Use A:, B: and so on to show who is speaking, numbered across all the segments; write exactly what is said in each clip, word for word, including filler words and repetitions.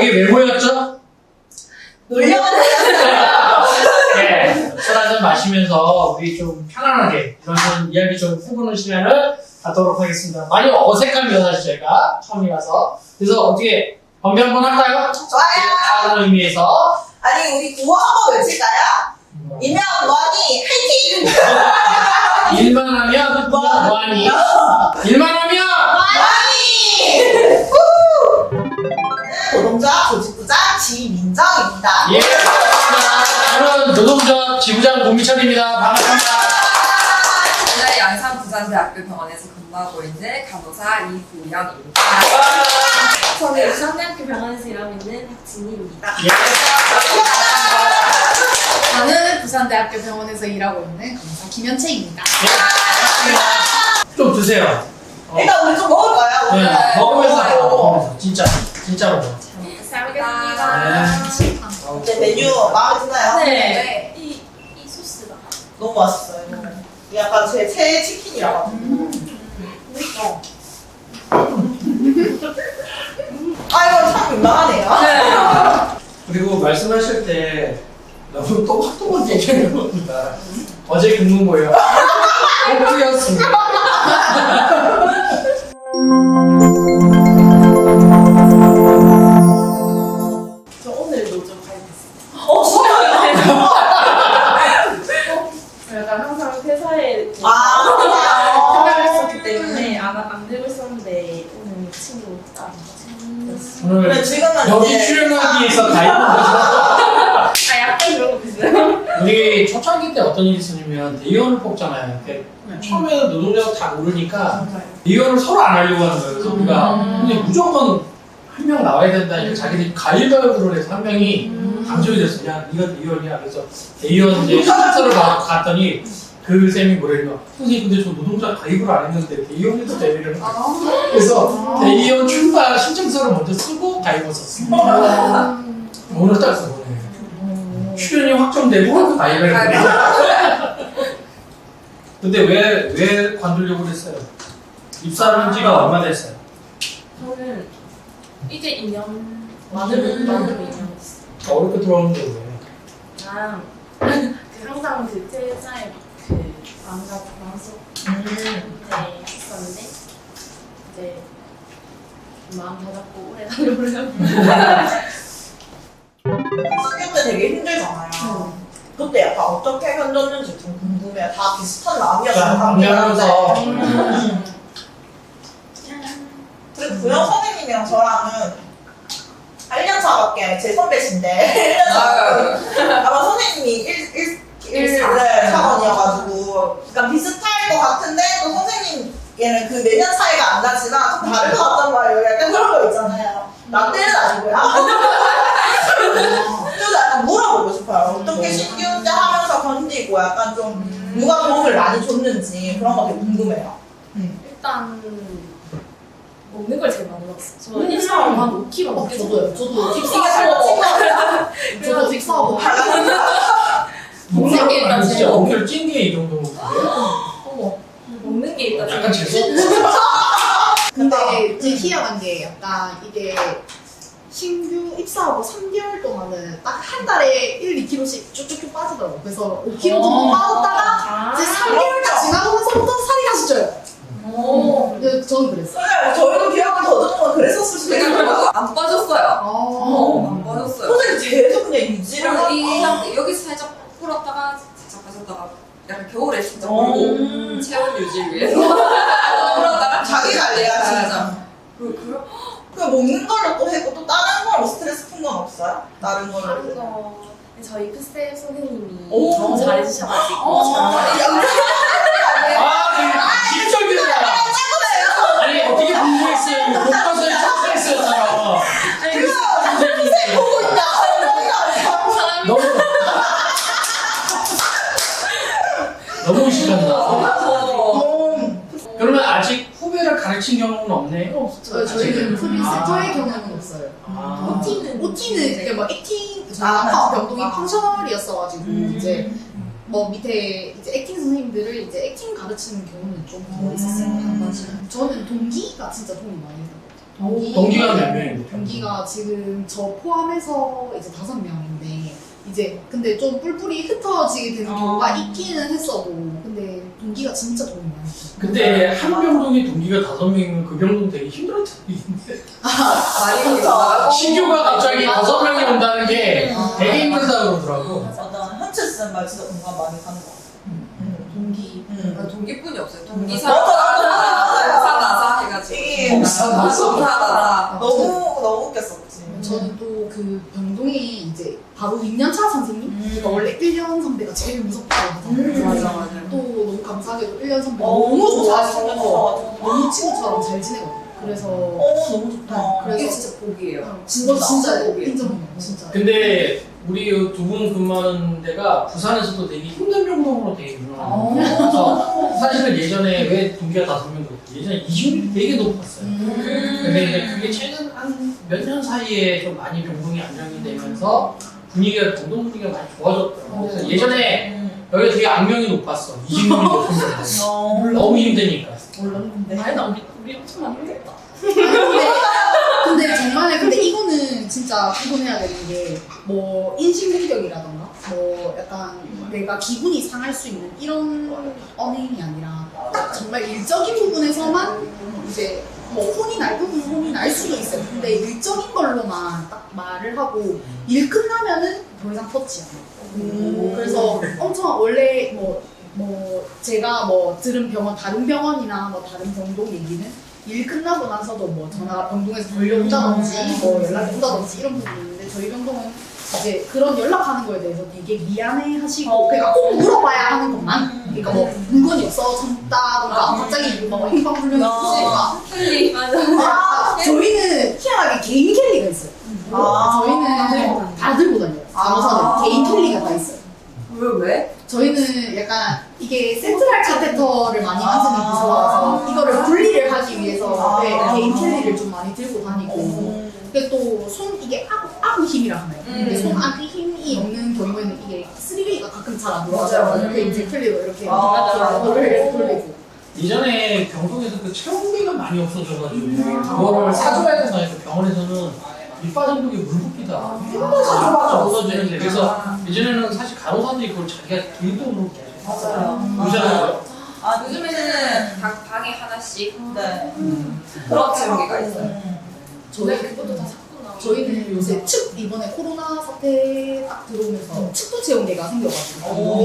A: 여기 왜 모였죠?
B: 놀려고
A: 네, 술 한잔 마시면서 우리 좀 편안하게 이런 이야기 좀 해보는 시간을 갖도록 하겠습니다. 많이 어색합니다, 사실 제가 처음이라서. 그래서 어떻게 건배 한번 할까요?
B: 좋아요.
A: 다른 의미에서.
B: 아니 우리 구호 한번 외칠까요? 이면 뭐하니 화이팅!
A: 일만 하면 뭐하니? 일만 하면
B: 뭐하니! 노동조합 조직부장 지민정입니다.
A: 예, 저는 노동조합 지부장 고미철입니다. 반갑습니다.
C: 오늘 양산부산대학교 병원에서 근무하고 있는 간호사 이구영입니다.
D: 저는 부산대학교 병원에서 일하고 있는 박진희입니다.
A: 예.
E: 저는 부산대학교 병원에서 일하고 있는 간호사 김현채입니다.
A: 예. 좀 드세요. 어.
B: 일단 우리 좀 먹을까요?
A: 네,
C: 네.
A: 먹으면서
B: 먹어요.
A: 먹으면서 진짜 진짜 먹어.
D: 잘
C: 먹겠습니다.
B: 이제 메뉴 마음에 드나요?
D: 네. 이, 이 소스가.
B: 너무 맛있어요. 이게 약간 제 최애 치킨이라고.
D: 그러니까.
B: 아 이거 참 민망하네요.
A: 그리고 말씀하실 때 너무 또박또박 얘기하는 겁니다. 어제 근무 뭐예요? 오프였습니다.
D: 저 오늘 노조 가입했어요.
B: 어 진짜요?
D: 저 약간 항상 회사에
B: 아
D: 생각을 했었기 때문에 안, 안 들고 있었는데 오늘 친구 딱
A: 오늘
B: 그래 지금은
A: 여기
B: 이제
A: 출연하기 위해서 가입한 거죠.
D: 아 약간 그런 거 비슷해요.
A: 우리 초창기 때 어떤 일이 있었냐면 대의원을 뽑잖아요. 이렇게 처음에는 노동자가 다 모르니까 대의원을 서로 안 하려고 하는 거예요. 그래서 우리가 근데 무조건 한 명 나와야 된다니까 자기들이 가위바위보를 해서 한 명이 당첨이 됐어. 야, 네가 대의원이야. 그래서 대의원 이제 신청서를 받고 갔더니 그 쌤이 뭐래요? 선생님 근데 저 노동자 가입을 안 했는데 대의원에도 대의를 했어. 그래서 대의원 출마 신청서를 먼저 쓰고 가입을 썼어. 오늘 딱 써보네. 출연이 확정되고 가입을 했네. 근데 왜, 왜 관두려고 그랬어요? 입사한 지가 얼마 됐어요?
D: 저는 이제 이 년 만으로 만으로 이 년 됐어요.
A: 어렵게 들어오는데 왜?
D: 아, 그 항상 그 회사에 그 마음가짐 마음속
B: 음.
D: 이제 있었는데 이제 마음 다잡고 오래 가려고
B: 수교 때 되게 힘들잖아요. 그때 약간 어떻게 견뎠는지 좀 궁금해요. 다 비슷한 마음이었어요.
A: 방면하면서
B: 그리고 구영 선생님이랑 저랑은 일 년 차밖에 제 선배신데 일 년 차. 아마 선생님이 일, 일, 일, 네, 차원이어가지고 약간 비슷할 것 같은데 또 선생님께는 그 내년 차이가 안 나지만 좀 다를 것 같단 말이에요. 약간 그런 거 있잖아요. 나 때는 아니고요. 좀 약간 물어보고 싶어요. 어떻게 신규 때 하면서 견디고 약간 좀 누가 도움을 많이 줬는지 그런 거 되게 궁금해요.
D: 일단 먹는 걸 제일 많이 먹었어요. 저 일상으로 한 오 킬로그램 넘게
E: 저도요. 저도
B: 이게 잘못친 거 아니야?
E: 저도 직사하고
D: 먹는 게 일단
A: 아니, 진짜
D: 제일
A: 어깨를 찐 게 이 정도
D: 어머 먹는 게 일단
A: 약간
D: 제일
A: 재수
E: 근데 제 희한한 게 약간 이게 신규 입사하고 삼 개월 동안은 딱 한 달에 일, 이 킬로그램씩 쭉쭉쭉 빠지더라고요. 그래서 오 킬로그램 정도 빠졌다가
D: 아,
E: 이제 삼 개월 딱 지나면서부터 살이 다시 쪄요.
D: 오.
E: 근데 저는 그랬어요.
B: 선생님, 저희도 기억을 더듬은 건 그랬었을 수도 있어요.
C: 안 빠졌어요.
E: 어.
C: 안 빠졌어요.
B: 선생님 계속 그냥 유지를 하고.
C: 이 상태 여기서 살짝 풀었다가 살짝 빠졌다가 약간 겨울에 진짜
B: 어.
C: 풀고 체온 유지 위해서 풀었다가
B: 자기 관리야, 진짜.
C: 맞아. 그 그럼
B: 그 먹는 걸로 또 했고 또 다른 걸로 스트레스 푼 건 없어요? 다른 걸로.
D: 다른 거 저희 크쌤 선생님이
B: 오.
D: 너무 잘해주셔가지고
B: 어,
A: 아, 되게 진적이다. 아니, 어떻게 공부했어요? 못 가서 착했어요.
B: 선생님 보고 있다.
A: 너무 너무 시켰나?
B: 어.
A: 그러면 아직 후배를 가르친 경우는 없네요.
E: 없죠. 저희는 프리센터의 경우는 없어요.
A: 아.
D: 오티는
E: 오티는 이제 뭐 액팅,
B: 아,
E: 아까 병동이 펑셔널이었어가지고
B: 음.
E: 이제 뭐 밑에 이제 액팅 선생님들을 이제 액팅 가르치는 경우는 좀 더 있었어요.
B: 음.
E: 저는 동기가 진짜 도움이 많이 됐어요. 동기,
A: 동기가 몇 명인데?
E: 동기가 지금 저 포함해서 이제 다섯 명인데 이제 근데 좀 뿔뿔이 흩어지게 되는
B: 어.
E: 경우가 있기는 했어도 근데 동기가 진짜 도움이 많이 됐어요.
A: 근데 한 병동에 동기가 다섯 명이면 그 병동 되게 힘들었던 얘기인데
C: 많이
B: 진짜.
A: 신규가 갑자기 다섯 명이 온다는 게
E: 어.
A: 되게 힘들다 그러더라고.
B: 맞아. 현철 쓰는 말 진짜 공감 많이 가는 것 같아.
E: 동기
B: 음.
C: 아, 동기뿐이 없어요. 동기
B: 맞아,
C: 사
B: 맞아, 맞아.
C: 사 나사 해가지고.
B: 이게
A: 동사 나사.
C: 동사 나사.
B: 너무 너무 웃겼었지.
E: 저는 또 그 병동에 이제 바로 이 년 차 선생님
B: 음.
E: 그러니까 원래 일 년 선배가 제일 무섭다고 하잖아요.
B: 음.
C: 맞아 맞아.
E: 또 너무 감사하게도 일 년 선배
B: 어,
E: 너무 좋아서
B: 잘생겨서
E: 너무 친구처럼 잘 지내거든요. 그래서
B: 어 너무 좋다.
E: 그래서
C: 이게 진짜 복이에요.
E: 진짜 진짜
C: 복이에요.
E: 인정해요. 진짜.
A: 근데 우리 두 분 근무하는 데가 부산에서도 되게 힘든 병동으로 되게 유명해요. 그래서 사실은 예전에 왜 동기가 다섯 명 그랬지? 예전에 이직률이 되게 높았어요.
E: 음.
A: 근데 이제 그게 최근 한 몇 년 사이에 좀 많이 병동이 안정이 되면서 분위기가 병동 분위기가 많이 좋아졌더라고요. 그래서 예전에
B: 음.
A: 여기가 되게 악명이 높았어. 이직률이 높은 데
B: 어.
A: 너무 힘드니까.
B: 몰랐는데.
D: 아니다 우리 우리 엄청 많이 힘들다.
E: 근데, 근데 정말 근데 이거는 진짜 구분해야 되는 게 뭐 인신공격이라던가 뭐 약간 내가 기분이 상할 수 있는 이런 언행이 아니라 딱 정말 일적인 부분에서만 이제 뭐 혼이 날 부분은 혼이 날 수도 있어요. 근데 일적인 걸로만 딱 말을 하고 일 끝나면은 더 이상 터치 안 해요.
B: 음.
E: 그래서 엄청 원래 뭐, 뭐 제가 뭐 들은 병원 다른 병원이나 뭐 다른 병동 얘기는 일 끝나고 나서도 뭐 전화가 병동에서 걸려온다든지 뭐 연락이 온다든지 이런 부분이 있는데 저희 병동은 이제 그런 연락하는 거에 대해서 되게 미안해 하시고
B: 어.
E: 그러니까 꼭 물어봐야 하는 것만 그러니까 뭐 물건이 없어 졌다던가 갑자기 뭐 행방불명이 있으니까
C: 켈리 맞아.
E: 아, 저희는 희한하게 개인 캘리가 있어요.
B: 아.
E: 저희는 다 들고 다녀요.
B: 아.
E: 간호사들 개인 캘리가 다 있어요.
C: 왜 왜?
E: 저희는 약간 이게 센트럴 카테터를 많이 만드는
B: 아.
E: 부서라서 이거를 분리를 하기 위해서
B: 아.
E: 네, 개인 캘리를 좀 많이 들고 다니고
B: 음.
E: 근데 또 손 이게 아구, 아구 힘이라 하나요? 근데
C: 음.
E: 손 아구 힘이 없는 경우에는 이게 쓰리웨이가 가끔 잘 안
C: 맞아요,
E: 돌아가요.
C: 맞아요.
E: 이렇게 이제 캘리로 이렇게
B: 아.
E: 돌리고 돌리고
A: 예전에 병동에서 그 체온계가 많이 없어져가지고 그거를 사줘야 된다 해서 병원에서는 밑 빠진 독에 물 붓기다. 맨날 사줘봤자 없어지는데 그래서 예전에는 사실 간호사들이 그걸 자기가 개인적으로
B: 맞아요.
A: 유지하는
B: 아
C: 요즘에는 각 방에 하나씩
B: 네.
C: 그런 체험기가 있어요.
B: 음.
E: 저희
D: 그것도 다 샀구나.
E: 저희는 요새 측 이번에 코로나 사태 딱 들어오면서 측도 채용대가 생겨가지고
B: 오.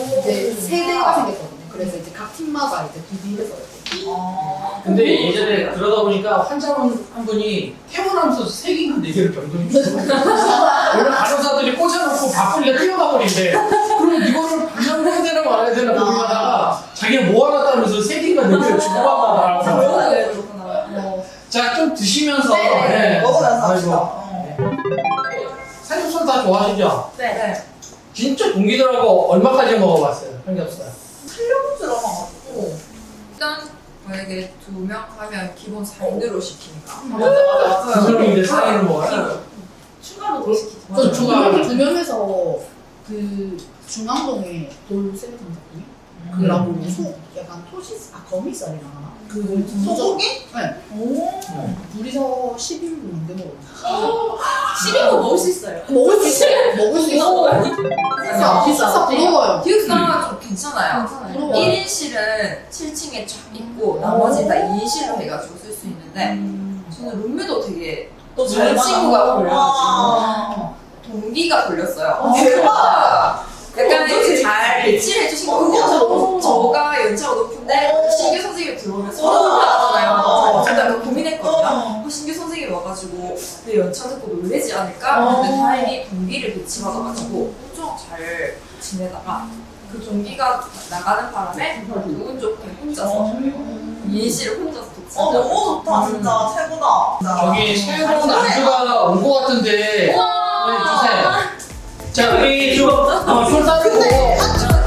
E: 이제 세 대가 생겼거든요. 그래서 이제 각 팀마다 이제 두 팀에서 이렇게
B: 아.
A: 근데 예전에 그러다 보니까 환자분 한 분이 퇴원하면서 세 개인가 네 개를 병동에 주고 원래 간호사들이 꽂아놓고 바쁘니까 뛰어가 버린대. 그럼 이거를 반영해야 되나 말아야 되나 고민하다가 자기가 모아놨다면서 세 개인가 네 개를 주고 받다가
C: 그렇구나.
E: 뭐
A: 자, 좀 드시면서
B: 네,
A: 네.
B: 먹으면서
A: 아이고.
B: 합시다. 어.
A: 삼겹살 다 좋아하시죠?
C: 네. 네.
A: 진짜 동기들하고 얼마까지 먹어봤어요? 삼겹살.
B: 살려본 줄 알아가지고.
C: 일단 만약에 두 명 하면 기본 사 인으로 시키니까.
D: 맞아 맞아
A: 두 명인데 사 인을 먹어요?
D: 추가로 더 시키자.
E: 저
A: 맞아,
E: 두
A: 추가.
E: 명, 두 명에서 그 중앙동에 돌쇠를 담았더니
A: 음.
E: 그라고 소 약간 토시스 아 거미살이라 하나 그걸
B: 소고기?
E: 네
B: 오.
E: 둘이서 십 인분 넘게 먹었어요.
D: 십인 거 먹을 수 있어요.
E: 먹을 수 있어요. 먹을 수 있어요. 비싸 비싸 부러워요.
C: 기숙사가 좀 괜찮아요.
D: 괜찮아요.
E: 부러워.
C: 일 인실은 칠 층에 쫙 있고 나머지 다 이 인실로 해가지고 쓸 수 있는데 저는 룸메도 되게
B: 또잘
C: 좋은 친구가 걸려가지고
B: 아.
C: 동기가 걸렸어요.
B: 어, 대박.
C: 약간
B: 그거
C: 이제
B: 어떻게
C: 잘 배치를 해주신
B: 어,
C: 거고
B: 그거
C: 저가 연차가 높은데
B: 어.
C: 신규 선생님이 들어오면
B: 어.
C: 서로 나가잖아요.
B: 어.
C: 진짜 그 고민했거든요.
B: 어.
C: 어, 신규 선생님이 와가지고 내 연차 듣고 놀래지 않을까? 근데
B: 어.
C: 다행히 동기를 배치받아가지고 엄청 잘 지내다가 그 동기가 나가는 바람에 기분 좋게 혼자서 이인실을 혼자서 독서.
B: 어 너무 좋다 진짜 최고다.
A: 저기 새로운 안주가 온 것 같은데 네, 주세요. 자, 우리 좀 어, 손 따르고